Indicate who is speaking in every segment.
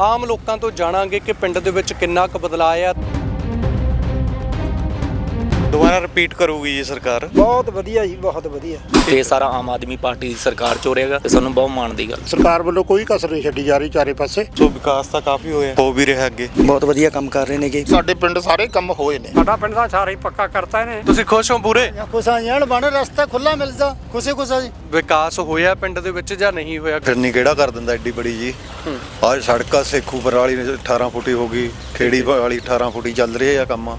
Speaker 1: ਆਮ ਲੋਕਾਂ ਤੋਂ ਜਾਣਾਂਗੇ ਕਿ ਪਿੰਡ ਦੇ ਵਿੱਚ ਕਿੰਨਾ ਕੁ ਬਦਲਾਅ ਆ।
Speaker 2: ਦੁਬਾਰਾ ਰਿਪੀਟ ਕਰੂਗੀ ਜੀ ਸਰਕਾਰ।
Speaker 3: ਬਹੁਤ ਵਧੀਆ ਜੀ, ਬਹੁਤ ਵਧੀਆ।
Speaker 4: ਇਹ ਸਾਰਾ ਆਮ ਆਦਮੀ ਪਾਰਟੀ ਦੀ ਸਰਕਾਰ ਚੋ ਰਹੇਗਾ ਤੇ ਸਾਨੂੰ ਬਹੁਤ ਮਾਣ ਦੀ ਗੱਲ।
Speaker 3: ਸਰਕਾਰ ਵੱਲੋਂ ਕੋਈ ਕਸਰ ਨਹੀਂ ਛੱਡੀ ਜਾ ਰਹੀ ਚਾਰੇ ਪਾਸੇ।
Speaker 2: ਸੋ ਵਿਕਾਸ ਤਾਂ ਕਾਫੀ ਹੋਇਆ, ਹੋ ਵੀ ਰਿਹਾ ਅੱਗੇ।
Speaker 4: ਬਹੁਤ ਵਧੀਆ ਕੰਮ ਕਰ ਰਹੇ ਨੇਗੇ।
Speaker 3: ਸਾਡੇ ਪਿੰਡ ਸਾਰੇ ਕੰਮ ਹੋਏ ਨੇ।
Speaker 5: ਸਾਡਾ ਪਿੰਡ ਦਾ ਸਾਰਾ ਹੀ ਪੱਕਾ ਕਰਤਾ ਇਹਨੇ।
Speaker 1: ਤੁਸੀਂ ਖੁਸ਼ ਹੋ ਪੂਰੇ?
Speaker 3: ਖੁਸ਼ਾਂ ਜਾਣ ਬਣ ਰਸਤਾ ਖੁੱਲਾ ਮਿਲਦਾ, ਖੁਸ਼ੀ ਜੀ।
Speaker 1: ਵਿਕਾਸ ਹੋਇਆ ਪਿੰਡ ਦੇ ਵਿੱਚ ਜਾਂ ਨਹੀਂ ਹੋਇਆ?
Speaker 2: ਫਿਰਨੀ ਕਿਹੜਾ ਕਰ ਦਿੰਦਾ ਐਡੀ ਬੜੀ ਜੀ। ਆਹ ਸੜਕਾਂ ਸੇਖੂਪੁਰ ਵਾਲੀ 18 ਫੁੱਟੀ ਹੋ ਗਈ, ਖੇੜੀ ਵਾਲੀ 18 ਫੁੱਟੀ ਚੱਲ ਰਹੀ ਆ ਕੰਮ।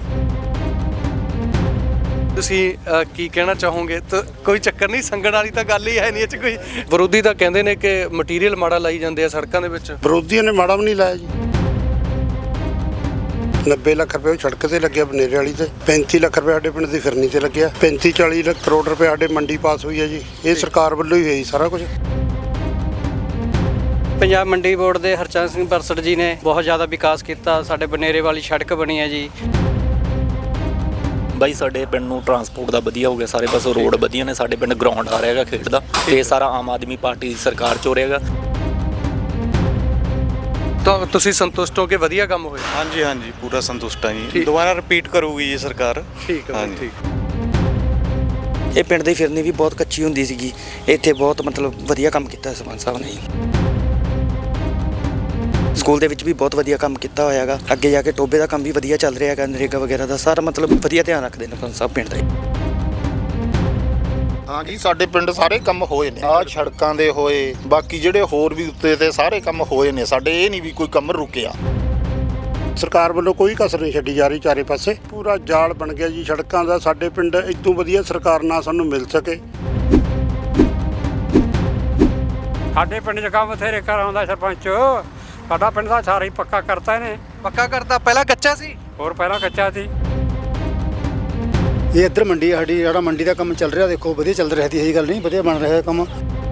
Speaker 1: ਤੁਸੀਂ ਕੀ ਕਹਿਣਾ ਚਾਹੋਗੇ? ਤਾਂ ਕੋਈ ਚੱਕਰ ਨਹੀਂ, ਸੰਗਣ ਵਾਲੀ ਤਾਂ ਗੱਲ ਹੀ ਹੈ ਨਹੀਂ। ਇਹ 'ਚ ਕੋਈ ਵਿਰੋਧੀ ਤਾਂ ਕਹਿੰਦੇ ਨੇ ਕਿ ਮਟੀਰੀਅਲ ਮਾੜਾ ਲਾਈ ਜਾਂਦੇ ਆ ਸੜਕਾਂ ਦੇ ਵਿੱਚ।
Speaker 3: ਵਿਰੋਧੀਆਂ ਨੇ ਮਾੜਾ ਵੀ ਨਹੀਂ ਲਾਇਆ ਜੀ। 90 ਲੱਖ ਰੁਪਏ ਸੜਕ ਤੇ ਲੱਗਿਆ ਬਨੇਰੇ ਵਾਲੀ ਤੇ, 35 ਲੱਖ ਰੁਪਏ ਸਾਡੇ ਪਿੰਡ ਦੀ ਫਿਰਨੀ ਤੇ ਲੱਗਿਆ, 35-40 ਲੱਖ ਕਰੋੜ ਰੁਪਏ ਸਾਡੇ ਮੰਡੀ ਪਾਸ ਹੋਈ ਹੈ ਜੀ। ਇਹ ਸਰਕਾਰ ਵੱਲੋਂ ਹੀ ਹੋਈ ਸਾਰਾ ਕੁਝ।
Speaker 6: ਪੰਜਾਬ ਮੰਡੀ ਬੋਰਡ ਦੇ ਹਰਚੰਦ ਸਿੰਘ ਬਰਸੜ ਜੀ ਨੇ ਬਹੁਤ ਜ਼ਿਆਦਾ ਵਿਕਾਸ ਕੀਤਾ। ਸਾਡੇ ਬਨੇਰੇ ਵਾਲੀ ਸੜਕ ਬਣੀ ਹੈ ਜੀ।
Speaker 4: ਬਾਈ ਸਾਡੇ ਪਿੰਡ ਨੂੰ ਟਰਾਂਸਪੋਰਟ ਦਾ ਵਧੀਆ ਹੋ ਗਿਆ, ਸਾਰੇ ਪਾਸੋਂ ਰੋਡ ਵਧੀਆ ਨੇ। ਸਾਡੇ ਪਿੰਡ ਗਰਾਊਂਡ ਆ ਰਿਹਾਗਾ ਖੇਡ ਦਾ, ਤੇ ਇਹ ਸਾਰਾ ਆਮ ਆਦਮੀ ਪਾਰਟੀ ਦੀ ਸਰਕਾਰ ਚੋ ਰਹੇਗਾ।
Speaker 1: ਤਾਂ ਤੁਸੀਂ ਸੰਤੁਸ਼ਟ ਹੋ ਕਿ ਵਧੀਆ ਕੰਮ ਹੋਇਆ?
Speaker 2: ਹਾਂਜੀ ਹਾਂਜੀ, ਪੂਰਾ ਸੰਤੁਸ਼ਟ ਹਾਂ ਜੀ। ਦੁਬਾਰਾ ਰਿਪੀਟ ਕਰੂਗੀ ਜੀ ਸਰਕਾਰ।
Speaker 1: ਠੀਕ ਹੈ, ਠੀਕ।
Speaker 4: ਇਹ ਪਿੰਡ ਦੀ ਫਿਰਨੀ ਵੀ ਬਹੁਤ ਕੱਚੀ ਹੁੰਦੀ ਸੀਗੀ, ਇੱਥੇ ਬਹੁਤ ਮਤਲਬ ਵਧੀਆ ਕੰਮ ਕੀਤਾ ਸਰਪੰਚ ਸਾਹਿਬ ਨੇ। ਸਕੂਲ ਦੇ ਵਿੱਚ ਵੀ ਬਹੁਤ ਵਧੀਆ ਕੰਮ ਕੀਤਾ ਹੋਇਆ ਹੈਗਾ। ਅੱਗੇ ਜਾ ਕੇ ਟੋਬੇ ਦਾ ਕੰਮ ਵੀ ਵਧੀਆ ਚੱਲ ਰਿਹਾ ਹੈਗਾ, ਨਰੇਗਾ ਵਗੈਰਾ ਦਾ ਸਾਰਾ ਮਤਲਬ ਵਧੀਆ ਧਿਆਨ ਰੱਖਦੇ ਨੇ ਸਰਪੰਚ ਸਾਹਿਬ ਪਿੰਡ ਦਾ।
Speaker 3: ਹਾਂ ਜੀ, ਸਾਡੇ ਪਿੰਡ ਸਾਰੇ ਕੰਮ ਹੋਏ ਨੇ। ਆਹ ਸੜਕਾਂ ਦੇ ਹੋਏ, ਬਾਕੀ ਜਿਹੜੇ ਹੋਰ ਵੀ ਉੱਤੇ ਤੇ ਸਾਰੇ ਕੰਮ ਹੋਏ ਨੇ ਸਾਡੇ। ਇਹ ਨਹੀਂ ਵੀ ਕੋਈ ਕੰਮ ਰੁਕਿਆ। ਸਰਕਾਰ ਵੱਲੋਂ ਕੋਈ ਕਸਰ ਨਹੀਂ ਛੱਡੀ ਜਾ ਰਹੀ ਚਾਰੇ ਪਾਸੇ। ਪੂਰਾ ਜਾਲ ਬਣ ਗਿਆ ਜੀ ਸੜਕਾਂ ਦਾ। ਸਾਡੇ ਪਿੰਡ ਇਦੋਂ ਵਧੀਆ ਸਰਕਾਰ ਨਾ ਸਾਨੂੰ ਮਿਲ ਸਕੇ।
Speaker 5: ਸਾਡੇ ਪਿੰਡ 'ਚ ਕੰਮ ਬਥੇਰੇ ਕਰਾਉਂਦਾ ਸਰਪੰਚ। ਸਾਡਾ ਪਿੰਡ ਦਾ ਸਾਰਾ ਹੀ ਪੱਕਾ ਕਰਤਾ ਇਹਨੇ।
Speaker 1: ਪੱਕਾ ਕਰਤਾ? ਪਹਿਲਾਂ ਕੱਚਾ ਸੀ?
Speaker 5: ਹੋਰ ਪਹਿਲਾਂ ਕੱਚਾ ਸੀ।
Speaker 3: ਇਹ ਇੱਧਰ ਮੰਡੀ ਸਾਡੀ, ਜਿਹੜਾ ਮੰਡੀ ਦਾ ਕੰਮ ਚੱਲ ਰਿਹਾ ਦੇਖੋ ਵਧੀਆ ਚੱਲ ਰਿਹਾ ਸੀ। ਇਹੀ ਗੱਲ ਨਹੀਂ, ਵਧੀਆ ਬਣ ਰਿਹਾ ਕੰਮ।